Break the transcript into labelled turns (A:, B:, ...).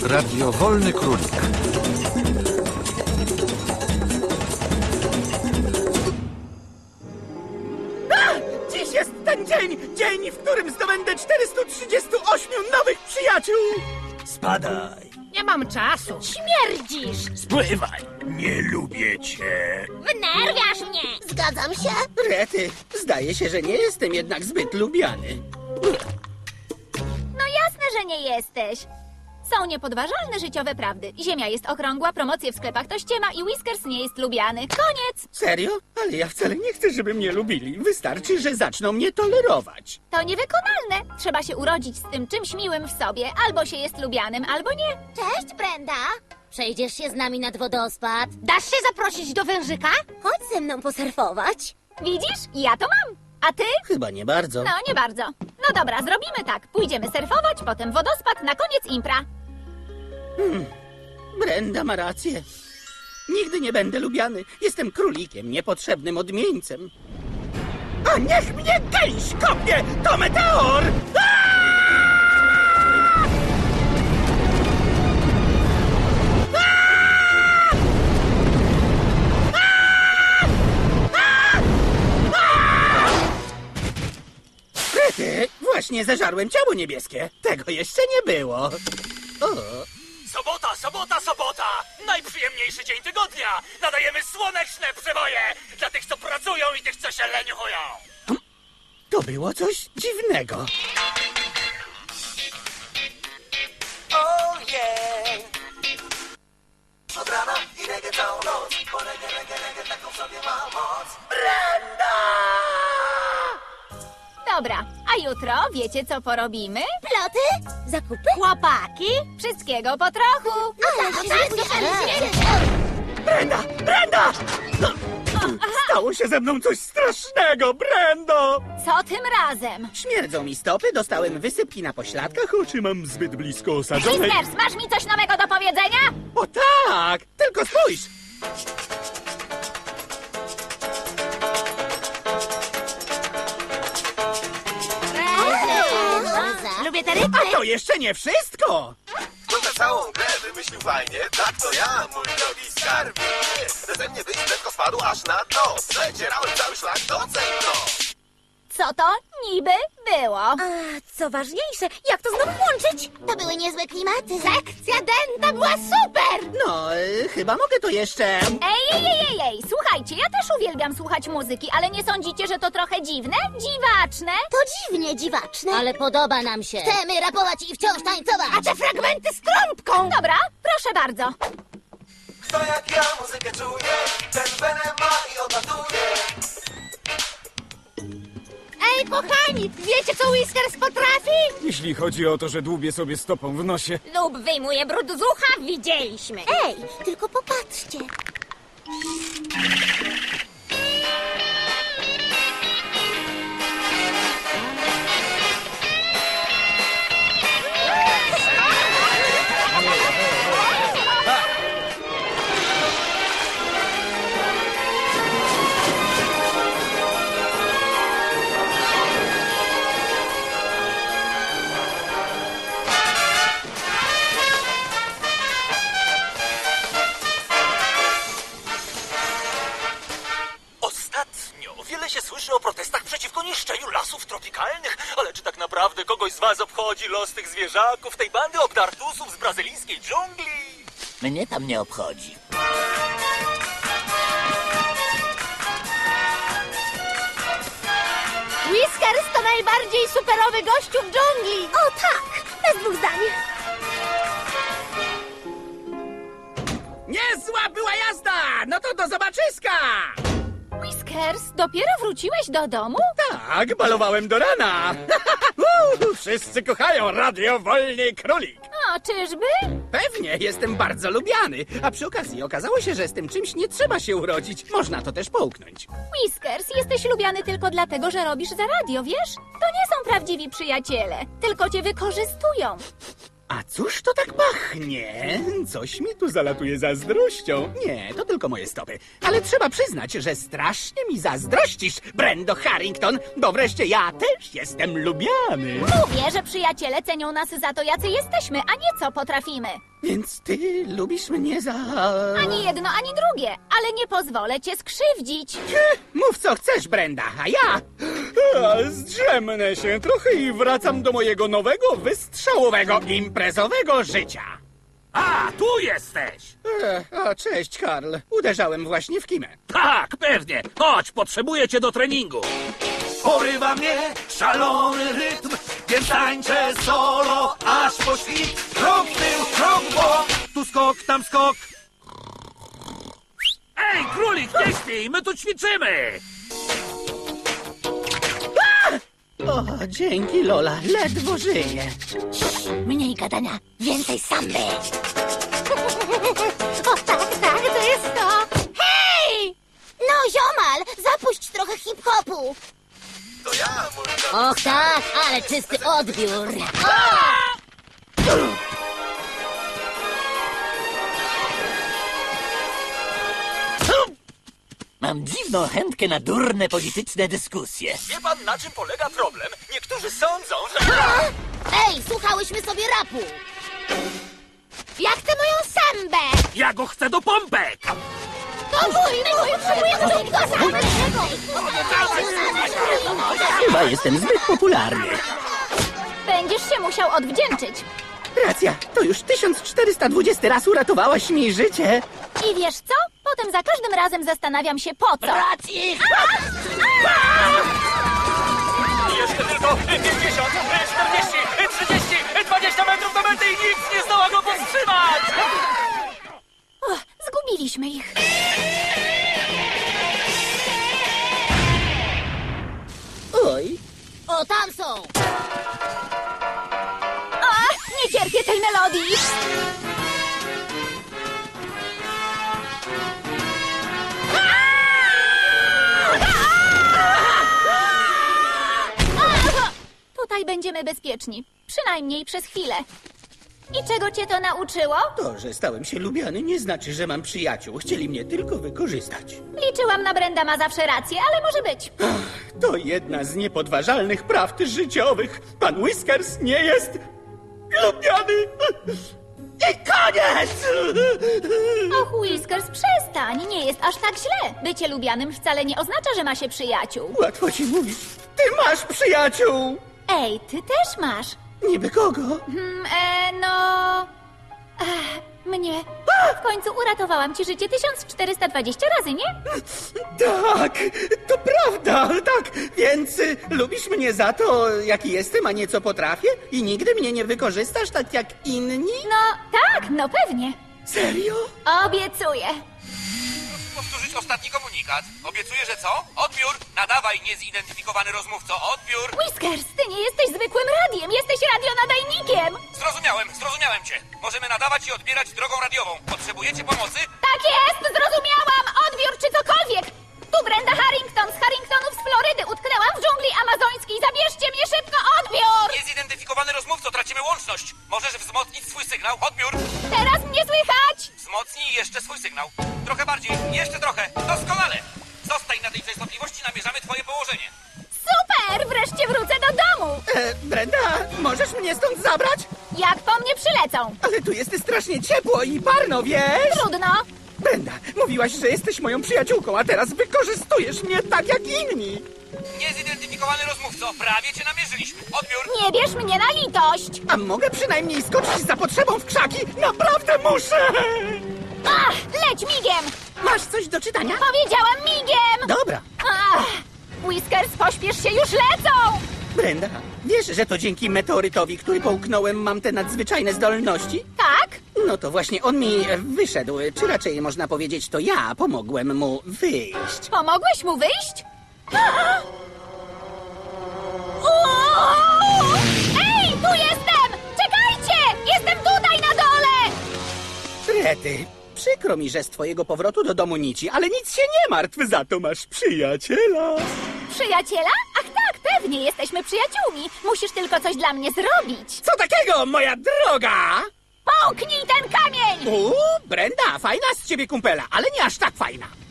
A: Radio Wolny Królik.
B: Dziś jest ten dzień, w którym zdobędę 438 nowych przyjaciół! Spadaj,
C: Nie mam czasu.
D: Śmierdzisz!
B: spływaj, nie lubię cię.
D: Wnerwiasz mnie! Zgadzam się.
B: Rety, zdaje się, że nie jestem jednak zbyt lubiany.
D: No jasne, że nie jesteś. Są niepodważalne życiowe prawdy. Ziemia jest okrągła, promocje w sklepach to ściema i Whiskers nie jest lubiany. Koniec!
B: Serio? Ale ja wcale nie chcę, żeby mnie lubili. Wystarczy, że zaczną mnie tolerować.
D: To niewykonalne. Trzeba się urodzić z tym czymś miłym w sobie. Albo się jest lubianym, albo nie.
E: Cześć, Brenda! Przejdziesz się z nami nad wodospad?
C: Dasz się zaprosić do wężyka?
E: Chodź ze mną posurfować.
D: Widzisz? Ja to mam. A ty?
B: Chyba nie bardzo.
D: No, nie bardzo. No dobra, zrobimy tak. Pójdziemy surfować, potem wodospad, na koniec impra.
B: Brenda ma rację. Nigdy nie będę lubiany. Jestem królikiem, niepotrzebnym odmieńcem. A niech mnie gęś kopnie! To meteor! Krety, właśnie zeżarłem ciało niebieskie. Tego jeszcze nie było. O.
F: Sobota! Najprzyjemniejszy dzień tygodnia! Nadajemy słoneczne przeboje dla tych, co pracują i tych, co się leniuchują!
B: To było coś dziwnego.
F: Oh yeah! Od rana i reggae całą noc, bo reggae taką sobie ma moc.
D: Dobra, a jutro wiecie co porobimy?
E: Ploty? Zakupy?
D: Chłopaki, wszystkiego po trochu.
B: Brenda! Stało się ze mną coś strasznego, Brendo!
D: Co tym razem?
B: Śmierdzą mi stopy, dostałem wysypki na pośladkach, oczy mam zbyt blisko osadzonej.
D: Whiskers, masz mi coś nowego do powiedzenia?
B: O tak! Tylko spójrz!
C: Lubię te
B: A
C: rytmy.
B: to jeszcze nie wszystko!
G: To na całą grę wymyślił fajnie. Tak to ja, mój drogi skarbie. Beze mnie byś prędko spadł aż na dno. Przecierałem cały szlak do centro.
D: Co to niby było?
E: A co ważniejsze, jak to znowu łączyć? To były niezłe klimaty.
C: Sekcja denta była super.
B: No, chyba mogę to jeszcze...
D: Ej, słuchajcie, ja też uwielbiam słuchać muzyki, ale nie sądzicie, że to trochę dziwne? Dziwaczne?
E: To dziwnie dziwaczne.
D: Ale podoba nam się.
E: Chcemy rapować i wciąż tańcować.
C: A te fragmenty z trąbką.
D: Dobra, proszę bardzo.
F: Kto jak ja muzykę czuje, ten venem ma i odlatuje.
C: Ej, kochani, wiecie co Whiskers potrafi?
H: Jeśli chodzi o to, że dłubię sobie stopą w nosie.
D: Lub wyjmuje brud z ucha, widzieliśmy.
E: Ej, tylko popatrzcie.
F: Ostatnio wiele się słyszy o protestach przeciwko niszczeniu lasów tropikalnych, ale czy tak naprawdę kogoś z was obchodzi los tych zwierzaków, tej bandy obdartusów z brazylijskiej dżungli?
I: Mnie tam nie obchodzi.
C: Whiskers to najbardziej superowy gościu w dżungli.
E: O tak, bez dwóch zdań.
B: Niezła była jazda! No to do zobaczyska!
D: Whiskers, dopiero wróciłeś do domu?
B: Tak, balowałem do rana. Wszyscy kochają Radio Wolny Królik.
D: O, czyżby?
B: Pewnie, jestem bardzo lubiany. A przy okazji okazało się, że z tym czymś nie trzeba się urodzić. Można to też połknąć.
D: Whiskers, jesteś lubiany tylko dlatego, że robisz za radio, wiesz? To nie są prawdziwi przyjaciele, tylko cię wykorzystują.
B: A cóż to tak pachnie? Coś mi tu zalatuje zazdrością. Nie, to tylko moje stopy. Ale trzeba przyznać, że strasznie mi zazdrościsz, Brendo Harrington, bo wreszcie ja też jestem lubiany.
D: Mówię, że przyjaciele cenią nas za to, jacy jesteśmy, a nie co potrafimy.
B: Więc ty lubisz mnie za...
D: Ani jedno, ani drugie, ale nie pozwolę cię skrzywdzić.
B: Mów co chcesz, Brenda, a ja... Zdrzemnę się trochę i wracam do mojego nowego, wystrzałowego, imprezowego życia.
A: A, tu jesteś!
B: Cześć, Karl. Uderzałem właśnie w kimę.
A: Tak, pewnie. Chodź, potrzebuję cię do treningu.
G: Porywa mnie szalony rytm, więc tańczę solo aż po świt. Krok w tył, krok w bok, tu skok, tam skok.
A: Ej, królik, nie śpij, my tu ćwiczymy!
B: O, dzięki, Lola. Ledwo żyję.
E: Mniej gadania, więcej samby.
C: O tak, to jest to.
E: Hej! No, ziomal, zapuść trochę hip-hopu.
G: To ja, mój drogi.
E: Och tak, ale czysty odbiór.
I: Mam dziwną chętkę na durne polityczne dyskusje.
F: Wie pan, na czym polega problem? Niektórzy sądzą, że...
E: Ej, słuchałyśmy sobie rapu. Ja chcę moją sambę.
A: Ja go chcę do pompek!
E: To mój, potrzebujemy do sambę.
B: Chyba jestem zbyt popularny.
D: Będziesz się musiał odwdzięczyć.
B: Racja, to już 1420 raz uratowałaś mi życie.
D: I wiesz co? Potem za każdym razem zastanawiam się po co.
I: Racji!
F: Jeszcze tylko 50, 40, 30, 20 metrów do mety i nic nie zdoła go powstrzymać!
D: Zgubiliśmy ich.
B: Oj,
E: O, tam są.
D: Nie cierpię tej melodii. Tutaj będziemy bezpieczni. Przynajmniej przez chwilę. I czego cię to nauczyło?
B: to, że stałem się lubiany, nie znaczy, że mam przyjaciół. Chcieli mnie tylko wykorzystać.
D: Liczyłam na Brenda, ma zawsze rację, ale może być.
B: To jedna z niepodważalnych prawd życiowych. Pan Whiskers nie jest lubiany. I koniec!
D: Och, Whiskers, przestań. Nie jest aż tak źle. Bycie lubianym wcale nie oznacza, że ma się przyjaciół.
B: Łatwo ci mówić. Ty masz przyjaciół!
D: Ej, ty też masz.
B: Niby kogo?
D: Mnie. W końcu uratowałam ci życie 1420 razy, nie?
B: Tak, to prawda, tak. Więc lubisz mnie za to, jaki jestem, a nie co potrafię? I nigdy mnie nie wykorzystasz tak jak inni?
D: No, tak, no pewnie.
B: Serio?
D: Obiecuję.
F: Powtórzyć ostatni komunikat. Obiecuję, że co? Odbiór! Nadawaj, niezidentyfikowany rozmówco, odbiór!
D: Whiskers, ty nie jesteś zwykłym radiem, jesteś radionadajnikiem.
F: Zrozumiałem cię. Możemy nadawać i odbierać drogą radiową. Potrzebujecie pomocy?
D: Tak jest, zrozumiałam. Odbiór czy cokolwiek. Tu Brenda Harrington z Harringtonów z Florydy. Utknęłam w dżungli amazońskiej. Zabierzcie mnie szybko, odbiór!
F: Niezidentyfikowany rozmówco, tracimy łączność. Możesz wzmocnić swój sygnał, odbiór!
D: Teraz mnie słychać.
F: Wzmocnij jeszcze swój sygnał. Trochę bardziej, jeszcze trochę. Doskonale! Zostań na tej częstotliwości, namierzamy twoje położenie.
D: Super, wreszcie wrócę do domu.
B: Brenda, możesz mnie stąd zabrać?
D: Jak po mnie przylecą?
B: Ale tu jest strasznie ciepło i parno, wiesz?
D: Trudno.
B: Brenda, mówiłaś, że jesteś moją przyjaciółką, a teraz wykorzystujesz mnie tak jak inni.
F: Niezidentyfikowany rozmówco, prawie cię namierzyliśmy. Odbiór!
D: Nie bierz mnie na litość.
B: A mogę przynajmniej skoczyć za potrzebą w krzaki? Naprawdę muszę!
D: Ach, leć migiem.
B: Masz coś do czytania?
D: Powiedziałam migiem.
B: Dobra.
D: Ach, Whiskers, pośpiesz się, już lecą.
B: Brenda, wiesz, że to dzięki meteorytowi, który połknąłem, mam te nadzwyczajne zdolności?
D: Tak?
B: No to właśnie on mi wyszedł, czy raczej można powiedzieć, to ja pomogłem mu wyjść.
D: Pomogłeś mu wyjść? Uuu! Ej, tu jestem! Czekajcie! Jestem tutaj na dole!
B: Rety, przykro mi, że z twojego powrotu do domu nici, ale nic się nie martw, za to masz przyjaciela.
D: Przyjaciela? Ach tak, pewnie. Pewnie jesteśmy przyjaciółmi. Musisz tylko coś dla mnie zrobić.
B: Co takiego, moja droga?
D: Połknij ten kamień!
B: Brenda, fajna z ciebie kumpela, ale nie aż tak fajna.